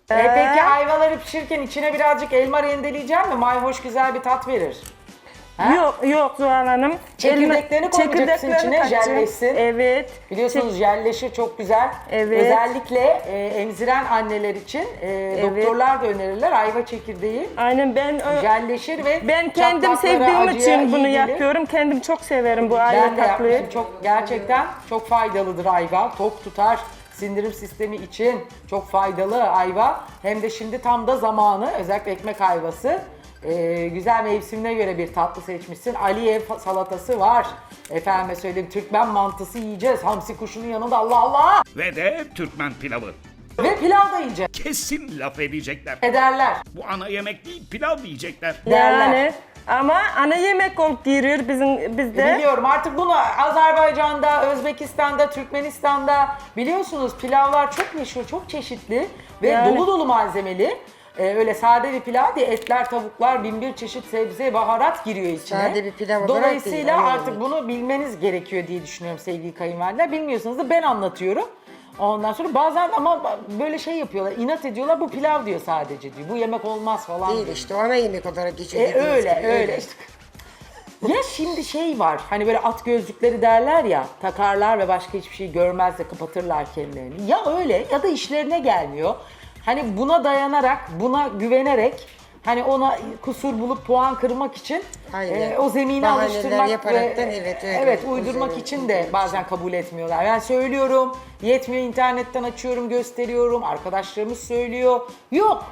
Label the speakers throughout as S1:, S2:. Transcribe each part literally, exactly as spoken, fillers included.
S1: E peki ayvaları pişirirken içine birazcık elma rendeleyeceğim mi? Mayhoş güzel bir tat verir. Ha?
S2: Yok yok Zuhal Hanım.
S1: Çekirdeklerini
S2: Elma-
S1: koyacaksın
S2: çekirdeklerini
S1: içine,
S2: katacağım.
S1: jelleşsin.
S2: Evet.
S1: Biliyorsunuz jelleşir çok güzel.
S2: Evet.
S1: Özellikle e, emziren anneler için e, doktorlar da önerirler ayva çekirdeği.
S2: Aynen ben ö-
S1: Jelleşir ve
S2: ben kendim
S1: çatlaklara,
S2: sevdiğim
S1: acıya
S2: için bunu
S1: iyi gelir.
S2: yapıyorum. Kendim çok severim bu
S1: Ben
S2: ayva
S1: de
S2: tatlıyı.
S1: yapmışım. Çok, gerçekten çok faydalıdır ayva. Tok tutar. Sindirim sistemi için çok faydalı ayva. Hem de şimdi tam da zamanı. Özellikle ekmek ayvası. Ee, güzel mevsimine göre bir tatlı seçmişsin. Aliye salatası var. Efendime söyleyeyim Türkmen mantısı yiyeceğiz. Hamsi kuşunun yanında Allah Allah.
S3: Ve de Türkmen pilavı.
S1: Ve pilav da yiyeceğiz.
S3: Kesin laf edecekler.
S1: Ederler.
S3: Bu ana yemek değil, pilav diyecekler.
S1: Derler.
S2: Yani ama ana yemek olup giriyor bizim bizde.
S1: Biliyorum artık bunu Azerbaycan'da, Özbekistan'da, Türkmenistan'da biliyorsunuz pilavlar çok meşhur, çok çeşitli ve
S2: Yani.
S1: dolu dolu malzemeli. Ee, öyle sade bir pilav değil, etler, tavuklar, bin bir çeşit sebze, baharat giriyor içine.
S4: Sade bir pilav olarak
S1: Dolayısıyla
S4: değil, ana
S1: artık
S4: yemek.
S1: bunu bilmeniz gerekiyor diye düşünüyorum sevgili kayınvalideler. Bilmiyorsanız da ben anlatıyorum. Ondan sonra bazen ama böyle şey yapıyorlar, inat ediyorlar bu pilav diyor sadece diyor. Bu yemek olmaz falan
S4: Değil
S1: diyor.
S4: işte o ana yemek olarak geçiyor.
S1: E,
S4: dediğiniz
S1: öyle
S4: gibi,
S1: öyle. İşte. Ya şimdi şey var hani böyle at gözlükleri derler ya takarlar ve başka hiçbir şey görmez de kapatırlar kendilerini. Ya öyle ya da işlerine gelmiyor. Hani buna dayanarak buna güvenerek hani ona kusur bulup puan kırmak için
S4: Aynen.
S1: e, o zemini
S4: Bahaneler
S1: alıştırmak ve
S4: yaparaktan evet, öyle.
S1: evet
S4: O
S1: uydurmak
S4: zemin-
S1: için de
S4: uydurmak
S1: bazen kabul etmiyorlar. Ben söylüyorum yetmiyor internetten açıyorum gösteriyorum arkadaşlarımız söylüyor yok.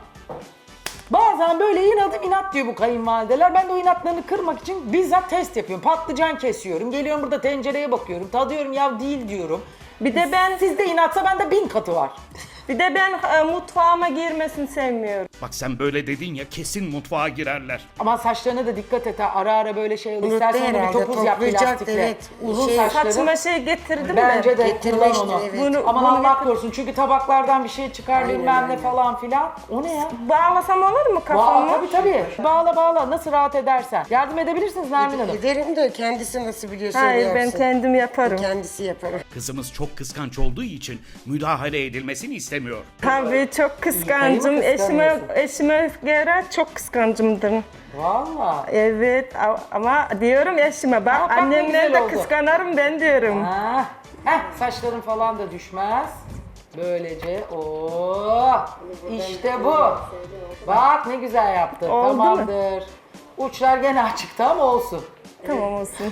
S1: Bazen böyle inadım inat diyor bu kayınvalideler. Ben de o inatlarını kırmak için bizzat test yapıyorum. Patlıcan kesiyorum. Geliyorum burada tencereye bakıyorum. Tadıyorum ya değil diyorum.
S2: Bir de ben
S1: Sizde inatsa bende bin katı var.
S2: bir de ben e, mutfağıma girmesini sevmiyorum.
S3: Bak sen böyle dedin ya, kesin mutfağa girerler.
S1: Ama saçlarına da dikkat et ha. Ara ara böyle şey olur.
S4: Unuttu
S1: İstersen onu bir
S4: herhalde,
S1: topuz yap
S4: toplayacak,
S1: plastikle.
S4: evet.
S1: Uzun
S4: Şey,
S1: saçları.
S2: Saçıma şey getirdim
S1: Bence
S2: de.
S1: de
S4: Getirmiştir,
S1: kullan onu.
S4: evet.
S2: Bunu-
S1: Aman
S2: bunu
S1: Allah
S2: getir-
S1: korusun çünkü tabaklardan bir şey çıkar
S4: Aynen
S1: bilmem ne
S4: öyle.
S1: falan filan. O ne ya?
S2: Bağlasam olur mu
S1: Bağla,
S2: kafamı?
S1: tabii tabii. Bağla bağla. Nasıl rahat edersen. Yardım edebilirsiniz Nermin Hanım.
S4: Ederim de kendisi nasıl biliyorsa öyle
S2: Hayır ben
S4: yapsın.
S2: kendim yaparım.
S4: Kendisi yaparım.
S3: Kızımız çok kıskanç olduğu için müdahale edilmesini istemiyor.
S2: Tabii çok kıskancım.
S1: Kayımı
S2: Eşime
S1: kıskanıyorsun.
S2: eşime göre çok kıskancımdır.
S1: Valla.
S2: Evet a- ama diyorum eşime bak
S1: Aa, bak ne
S2: annemden
S1: güzel
S2: de
S1: oldu.
S2: kıskanırım ben diyorum.
S1: Ha. Heh, saçların falan da düşmez. Böylece o işte bu. Bak ne güzel yaptın.
S2: Oldu mu?
S1: Tamamdır. Uçlar gene açıkta ama olsun.
S2: Tamam olsun.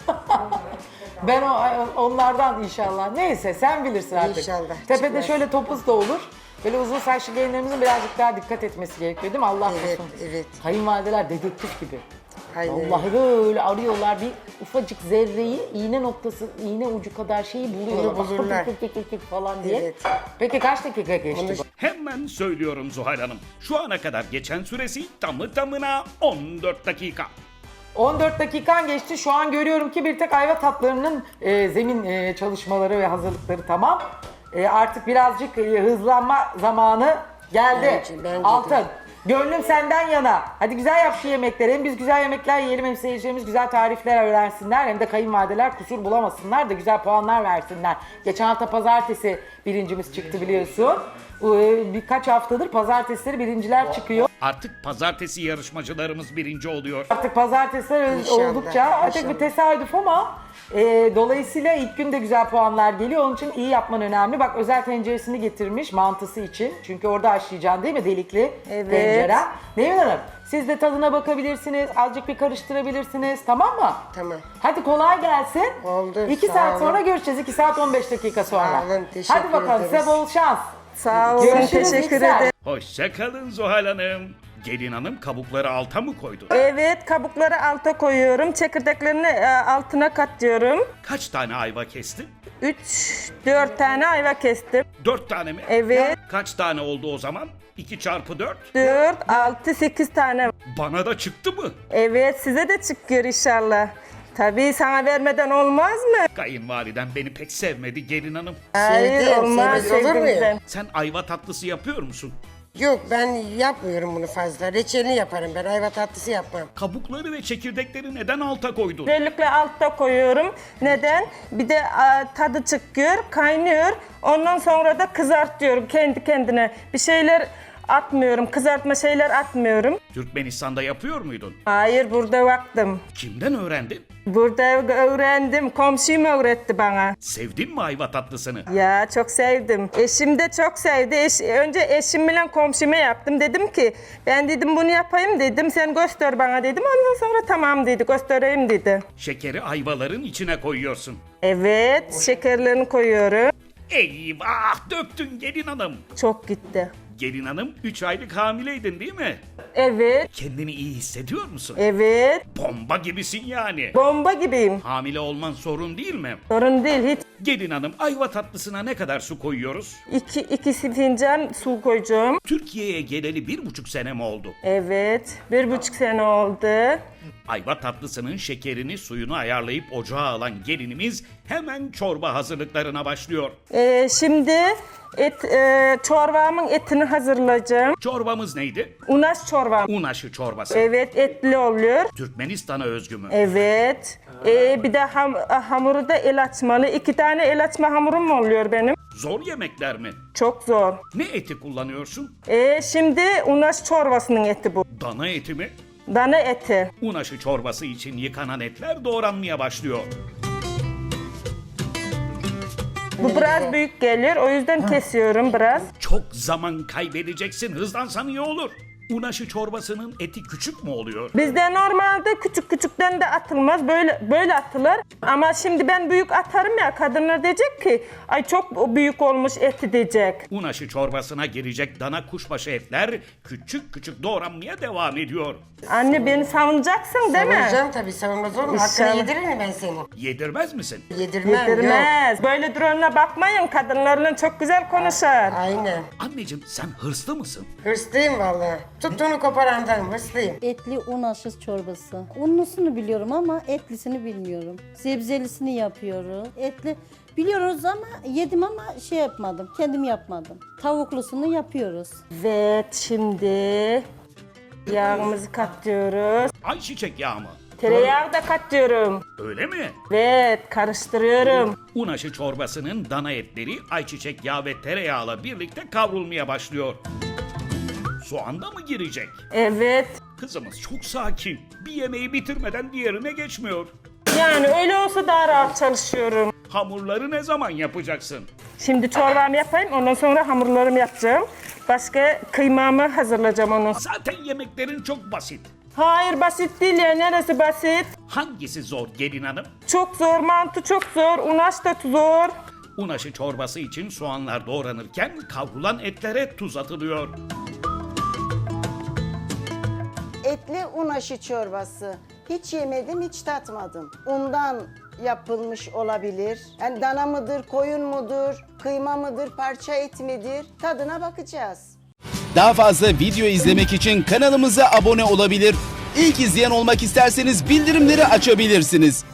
S1: Ben o, onlardan inşallah. Neyse sen bilirsin artık.
S4: İnşallah,
S1: Tepede
S4: çıkmaz.
S1: şöyle topuz da olur. Böyle uzun saçlı gelinlerimizin birazcık daha dikkat etmesi gerekiyor değil mi? Allah
S4: Evet,
S1: korusun.
S4: evet.
S1: Kayınvalideler dedektif gibi.
S4: Aynen öyle.
S1: Vallahi böyle arıyorlar bir ufacık zerreyi iğne noktası, iğne ucu kadar şeyi buluyorlar.
S4: Bunu bulurlar.
S1: Kık kık kık kık falan diye.
S4: Evet.
S1: Peki kaç dakika geçti
S4: Onu-
S1: bu?
S3: Hemen söylüyorum Zuhal Hanım. Şu ana kadar geçen süresi tamı tamına on dört dakika.
S1: on dört dakikan geçti. Şu an görüyorum ki bir tek ayva tatlarının e, zemin e, çalışmaları ve hazırlıkları tamam. E, artık birazcık e, hızlanma zamanı geldi.
S4: Bence- bence de.
S1: Altın. Gönlüm senden yana. Hadi güzel yap şu yemekleri. Hem biz güzel yemekler yiyelim hem seyircilerimiz güzel tarifler öğrensinler. Hem de kayınvalideler kusur bulamasınlar da güzel puanlar versinler. Geçen hafta pazartesi birincimiz çıktı biliyorsun. E, birkaç haftadır pazartesileri birinciler çıkıyor.
S3: Artık pazartesi yarışmacılarımız birinci oluyor.
S1: Artık pazartesiler
S4: İnşallah,
S1: oldukça artık
S4: inşallah.
S1: bir tesadüf ama e, dolayısıyla ilk gün de güzel puanlar geliyor. Onun için iyi yapman önemli. Bak özel tenceresini getirmiş mantısı için. Çünkü orada haşlayacaksın değil mi delikli
S2: Evet.
S1: tencere. Nevin Hanım siz de tadına bakabilirsiniz. Azıcık bir karıştırabilirsiniz tamam mı?
S4: Tamam.
S1: Hadi kolay gelsin.
S4: Oldu,
S1: iki
S4: sağ
S1: saat
S4: olun.
S1: sonra görüşeceğiz. iki saat on beş dakika sonra.
S4: Sağ olun, teşekkür
S1: Hadi bakalım
S4: ederiz.
S1: size bol şans.
S2: Sağ olun
S1: Görüşürüz
S2: teşekkür
S1: Yüksel.
S2: ederim.
S3: Hoşça kalın Zuhal Hanım. Gelin hanım kabukları alta mı koydu?
S2: Evet kabukları alta koyuyorum. Çekirdeklerini e, altına katıyorum.
S3: Kaç tane ayva kestin?
S2: üç dört tane ayva kestim.
S3: Dört tane mi?
S2: Evet.
S3: Kaç tane oldu o zaman? İki çarpı dört.
S2: dört, altı, sekiz tane.
S3: Bana da çıktı mı?
S2: Evet size de çıkıyor inşallah. Tabii sana vermeden olmaz mı?
S3: Kayınvaliden beni pek sevmedi gelin hanım.
S2: Hayır
S4: Sevdim,
S2: olmaz
S4: sevmez olur muyum?
S2: sevdiğimizden.
S3: Sen ayva tatlısı yapıyor musun?
S4: Yok ben yapmıyorum bunu fazla. Reçelini yaparım ben. Ayva tatlısı yapmam.
S3: Kabukları ve çekirdekleri neden alta koydun?
S2: Özellikle altta koyuyorum. Neden? Bir de a, tadı çıkıyor, kaynıyor. Ondan sonra da kızartıyorum kendi kendine. Bir şeyler atmıyorum. Kızartma şeyler atmıyorum.
S3: Türkmenistan'da yapıyor muydun?
S2: Hayır, burada baktım.
S3: Kimden öğrendin?
S2: Burada öğrendim. Komşum öğretti bana.
S3: Sevdin mi ayva tatlısını?
S2: Ya çok sevdim. Eşim de çok sevdi. Eş, önce eşimle komşuma yaptım. Dedim ki ben dedim bunu yapayım dedim. Sen göster bana dedim. Ondan sonra tamam dedi. Göstereyim dedi.
S3: Şekeri ayvaların içine koyuyorsun.
S2: Evet, şekerlerini koyuyorum.
S3: Eyvah, döktün gelin hanım.
S2: Çok gitti.
S3: Gelin hanım üç aylık hamileydin değil mi?
S2: Evet,
S3: Kendini iyi hissediyor musun?
S2: evet.
S3: Bomba gibisin yani.
S2: Bomba gibiyim.
S3: Hamile olman sorun değil mi?
S2: Sorun değil hiç.
S3: Gelin hanım ayva tatlısına ne kadar su koyuyoruz?
S2: İki, iki fincan su koyacağım.
S3: Türkiye'ye geleli bir buçuk sene mi oldu?
S2: Evet, bir buçuk sene oldu.
S3: Ayva tatlısının şekerini suyunu ayarlayıp ocağa alan gelinimiz hemen çorba hazırlıklarına başlıyor.
S2: Ee, şimdi et, e, çorbamın etini hazırlayacağım.
S3: Çorbamız neydi?
S2: Unaş çorbam.
S3: Un aşı çorbası.
S2: Evet, etli oluyor.
S3: Türkmenistan'a özgü mü?
S2: Evet. Ee, bir de ham, hamuru da el açmalı. İki tane el açma hamurum oluyor benim.
S3: Zor yemekler mi?
S2: Çok zor.
S3: Ne eti kullanıyorsun?
S2: Ee, şimdi unaş çorbasının eti bu.
S3: Dana eti mi?
S2: Dana eti.
S3: Un aşı çorbası için yıkanan etler doğranmaya başlıyor.
S2: Bu biraz büyük gelir. O yüzden kesiyorum biraz.
S3: Çok zaman kaybedeceksin. Hızlansan iyi olur. Un aşı çorbasının eti küçük mü oluyor?
S2: Bizde normalde küçük küçükten de atılmaz. Böyle böyle atılır. Ama şimdi ben büyük atarım ya. Kadınlar diyecek ki ay çok büyük olmuş eti diyecek.
S3: Un aşı çorbasına girecek dana kuşbaşı etler küçük küçük doğranmaya devam ediyor.
S2: Anne beni savunacaksın değil mi?
S4: Savunacağım tabii, savunmaz olur mu?
S2: İnşallah.
S4: Hakkını yedirir mi ben senin?
S3: Yedirmez misin?
S4: Yedirmem, yok.
S2: Yedirmez. Böyle drone'una bakmayın. Kadınlarla çok güzel konuşar.
S4: Aynen.
S3: Anneciğim sen hırslı mısın?
S4: Hırslıyım vallahi. Tuttuğunu koparandan hırslıyım.
S5: Etli un aşı çorbası. Unlusunu biliyorum ama etlisini bilmiyorum. Sebzelisini yapıyoruz. Etli biliyoruz ama yedim ama şey yapmadım. Kendim yapmadım. Tavuklusunu yapıyoruz.
S2: Evet, şimdi yağımızı katıyoruz.
S3: Ayçiçek yağı mı?
S2: Tereyağı da katıyorum.
S3: Öyle mi?
S2: Evet, karıştırıyorum.
S3: Un aşı çorbasının dana etleri ayçiçek yağı ve tereyağıyla birlikte kavrulmaya başlıyor. Soğan da mı girecek?
S2: Evet.
S3: Kızımız çok sakin. Bir yemeği bitirmeden diğerine geçmiyor.
S2: Yani öyle olsa daha rahat çalışıyorum.
S3: Hamurları ne zaman yapacaksın?
S2: Şimdi çorbamı yapayım, ondan sonra hamurlarımı yapacağım. Başka kıymamı hazırlayacağım onu.
S3: Zaten yemeklerin çok basit.
S2: Hayır, basit değil ya. Neresi basit?
S3: Hangisi zor gelin hanım?
S2: Çok zor, mantı çok zor, unaş da zor.
S3: Un aşı çorbası için soğanlar doğranırken kavrulan etlere tuz atılıyor.
S6: Etli un aşı çorbası. Hiç yemedim, hiç tatmadım. Undan yapılmış olabilir. Yani dana mıdır, koyun mudur, kıyma mıdır, parça et midir? Tadına bakacağız.
S7: Daha fazla video izlemek için kanalımıza abone olabilir. İlk izleyen olmak isterseniz bildirimleri açabilirsiniz.